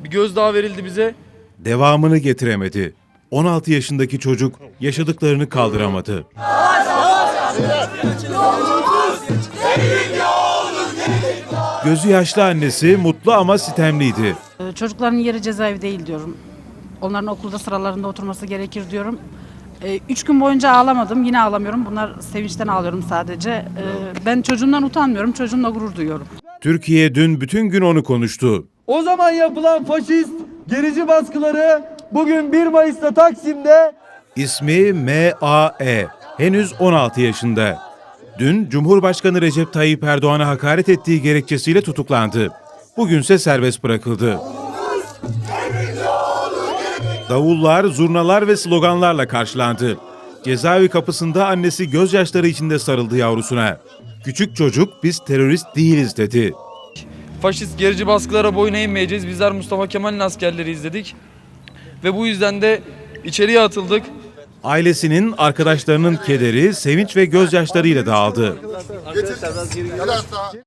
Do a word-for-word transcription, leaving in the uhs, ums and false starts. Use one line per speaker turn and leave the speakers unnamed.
bir gözdağı verildi bize.
Devamını getiremedi. on altı yaşındaki çocuk yaşadıklarını kaldıramadı. Gözü yaşlı annesi mutlu ama sitemliydi.
Çocukların yeri cezaevi değil diyorum. Onların okulda sıralarında oturması gerekir diyorum. E, üç gün boyunca ağlamadım. Yine ağlamıyorum. Bunlar sevinçten ağlıyorum sadece. E, ben çocuğumdan utanmıyorum. Çocuğumla gurur duyuyorum.
Türkiye dün bütün gün onu konuştu.
O zaman yapılan faşist gerici baskıları bugün bir Mayıs'ta Taksim'de.
İsmi M A E. Henüz on altı yaşında. Dün Cumhurbaşkanı Recep Tayyip Erdoğan'a hakaret ettiği gerekçesiyle tutuklandı. Bugünse serbest bırakıldı. Davullar, zurnalar ve sloganlarla karşılandı. Cezaevi kapısında annesi gözyaşları içinde sarıldı yavrusuna. Küçük çocuk biz terörist değiliz dedi.
Faşist gerici baskılara boyun eğmeyeceğiz. Bizler Mustafa Kemal'in askerleriyiz dedik. Ve bu yüzden de içeriye atıldık.
Ailesinin, arkadaşlarının kederi, sevinç ve gözyaşlarıyla dağıldı.